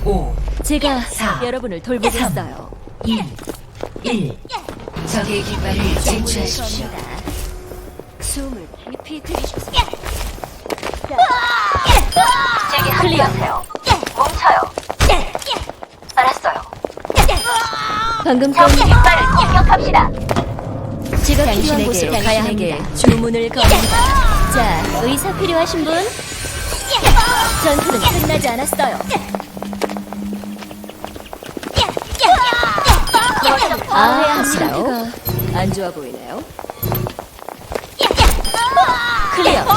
5, 제가 4, 여러분을 돌보겠어요. 2, 1. 적의 깃발을 쟁취하십시오. 숨을 깊이 들이쉬세요. 제게 클리어. 합류하세요. 뭉쳐요. 알았어요. 방금 적 건 깃발을 공격합시다. 제가 필요한 곳으로 가야 합니다. 주문을 겁니다. 자, 의사 필요하신 분? 전투는 끝나지 않았어요. 상태가 안 좋아 보이네요. 클리어.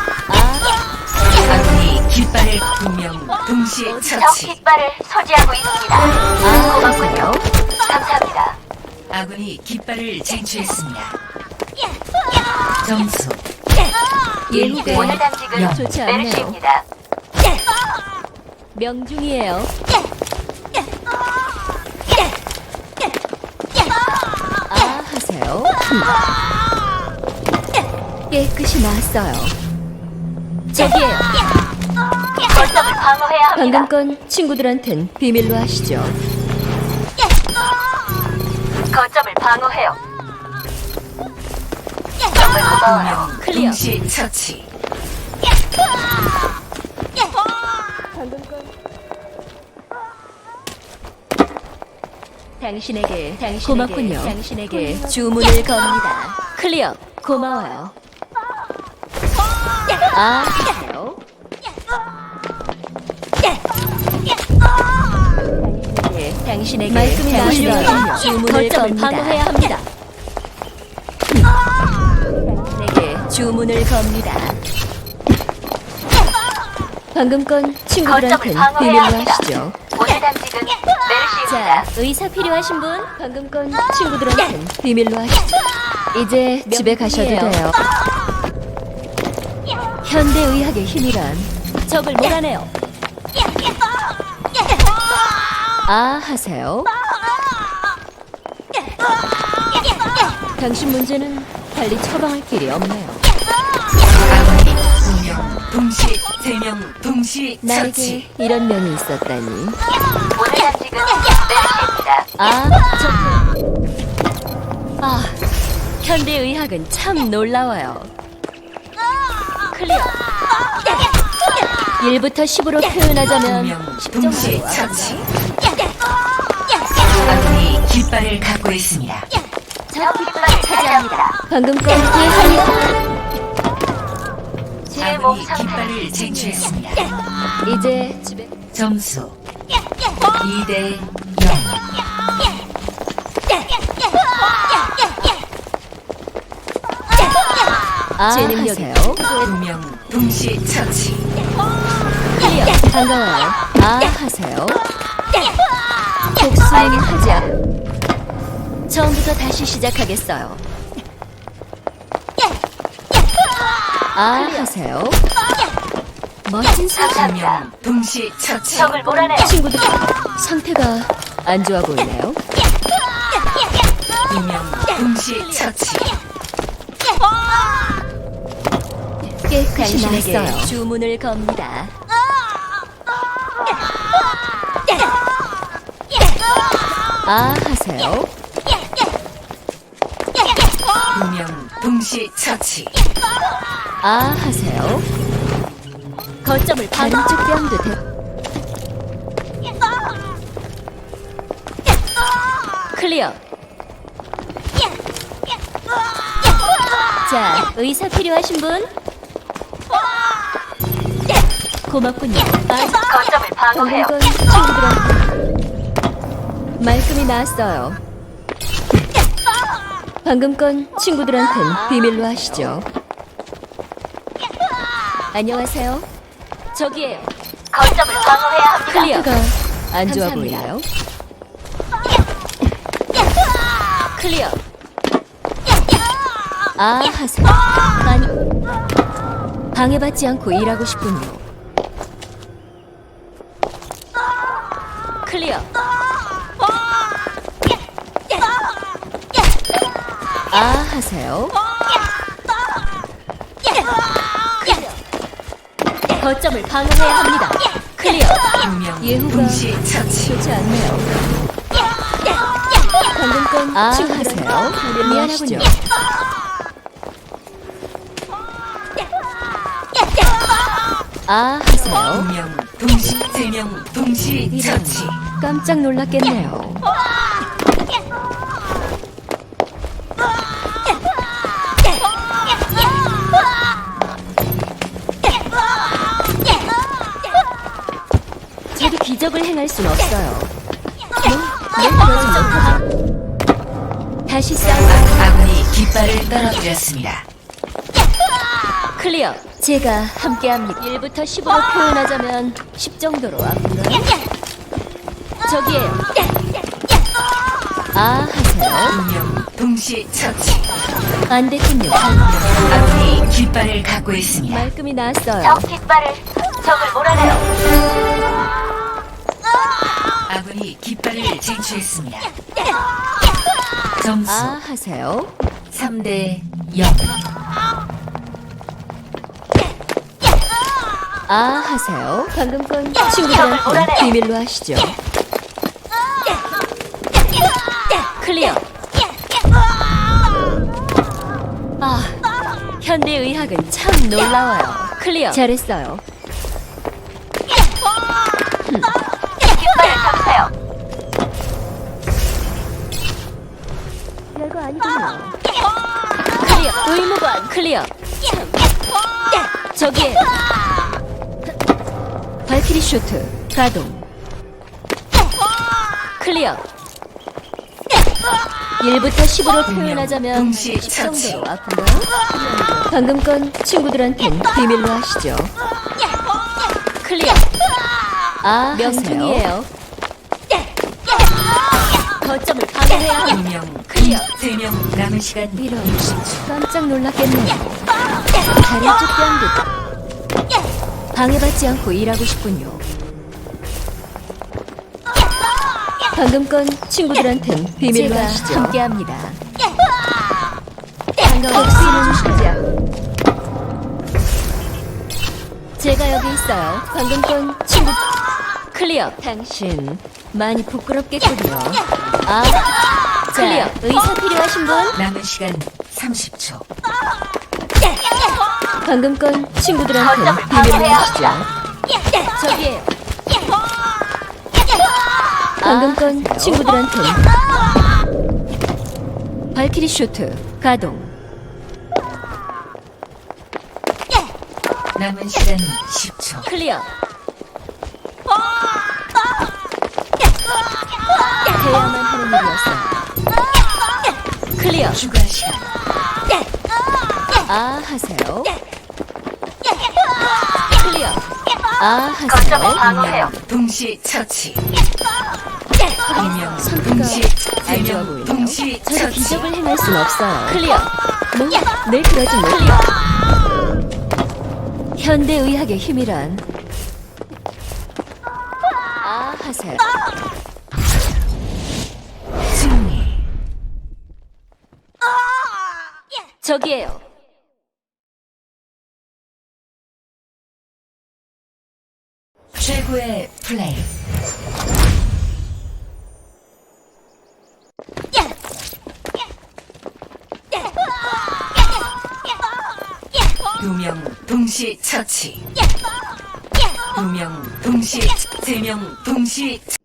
아군이 깃발을 분명 동시에 적 처치. 깃발을 소지하고 있습니다. 고맙군요. 감사합니다. 아군이 깃발을 쟁취했습니다. 점수 1대 오늘 당직은 0. 좋지 않네요. 메르시입니다. 명중이에요. 하세요. 깨끗이 나았어요. 저기에요. 거점을 방어해야 합니다. 방금 건 친구들한텐 비밀로 하시죠. 거점을 방어해요. 정말 고마워요. 분명 클리어. 동시에 처치. 당신에게 고맙군요. 당신에게 주문을 겁니다. 클리어. 고마워요. 하세요. 당신에게 말끔히 나으시군요. 주문을 겁니다. 방어해야 합니다. 당신에게 주문을 겁니다. 방금 건 거점을 친구들한텐 방어해야 비밀로 합니다. 하시죠. 오늘 당직은 메르시입니다. 자, 의사 필요하신 분? 방금 건 친구들한텐 비밀로 하시죠. 이제 집에 가셔도 돼요. 현대의학의 힘이란 적을 몰아내요. 하세요. 당신 문제는 달리 처방할 길이 없네요. 아군이 분명 동시에 3명 동시에 나에게 처치. 이런 면이 있었다니. 오늘 당직은 메르시입니다. 현대의학은 참 놀라워요. 클리어. 1부터 10으로 표현하자면 분명 10 동시에 정도. 처치. 아군이 깃발을 갖고 있습니다. 적 깃발을 차지합니다. 방금 건 예상이 제 몸 아군이 상태는 깃발을 쟁취했습니다. 이제 집에 점수 2대 0. 제 능력이요. 분명 동시에 처치. 클리어. 반가워요. 하세요. 복수하지 않. 처음부터 다시 시작하겠어요. 하세요. 멋진 사람. 분명 동시에 처치. 적을 몰아내요. 친구들 상태가 안 좋아 보이네요. 분명 동시에 처치. 깨끗이 당신에게 났어요. 주문을 겁니다. 하세요. 분명 동시에 처치. 하세요. 거점을 반쪽 뺨도 대. 클리어. 자, 의사 필요하신 분? 고맙군요. 거점을 방어해요. 방금 건 친구들한테 말끔히 나았어요. 방금 건 친구들한텐 비밀로 하시죠. 안녕하세요. 저기에요. 거점을 방어해야 합니다. 클리어가 안 좋아 보이나요? 클리어. 하세요. 아니, 방해받지 않고 일하고 싶군요. 클리어. 하세요. 거점을 방어해야 합니다. 클리어. 두 명 예후가 동시 처치. 좋지 않네요. 방금 건 친구들하세요. 미안하군요. 하세요. 두 명 동시 세 명 동시 이런, 처치. 깜짝 놀랐겠네요. 저도 기적을 행할 순 없어요. 다시 싸워. 아군이 깃발을 떨어뜨렸습니다. 클리어. 제가 함께합니다. 1부터 10으로 표현하자면 10 정도로 아픈가? 저기에요. 하세요. 두 명 동시 처치. 안 됐군요. 아군이 깃발을 갖고 있습니다. 말끔히 나왔어요. 적 깃발을 적을 몰아내요. 아군이 깃발을 쟁취했습니다. 점수 하세요. 3대 0. 하세요. 방금 건 친구들한테 비밀로 하시죠. 클리어. 현대의학은 참 놀라워요. 클리어. 잘했어요. 깃발을 잡으세요. 별거 아니군요. 클리어. 의무관. 클리어. 저기에 발키리 쇼트 가동. 클리어. 1부터 10으로 표현하자면 동시 10 처치. 정도로 아픈가요? 방금 건 친구들한텐 비밀로 하시죠. 클리어. 명중이에요. 거점을 방어해야 두 합니다. 명 클리어. 세 명 남은 시간 이런 60초. 깜짝 놀랐겠네요. 다리 쭉 방해받지 않고 일하고 싶군요. 방금 건 친구들한텐 비밀로 하시죠. 함께합니다. 반가워요. 제가 여기 있어요. 방금 건 친구 클리어. 당신 많이 부끄럽겠군요. 클리어. 의사 필요하신 분? 남은 시간 30초. 방금 건 친구들한텐 거점을 비밀로 방어해야 하시죠. 저기에요. 방금 건 친구들한텐 발키리 쇼트 가동. 남은 시간 10초. 클리어. 해야만 하는 일이었어요. 클리어. 추가 시간. 하세요. 클리어. 거점을 하세요. 방어해요. 동시 처치. 두 명 선수가 동시 안 좋아 4명 보이네요. 동시 저도 처치. 기적을 행할 순 없어요. 클리어. 늘 그러지 못해요. 현대의학의 힘이란. 하세요. 승리. 저기에요. 최고의 플레이. 두 명 동시 처치. 두 명 동시 세 명 동시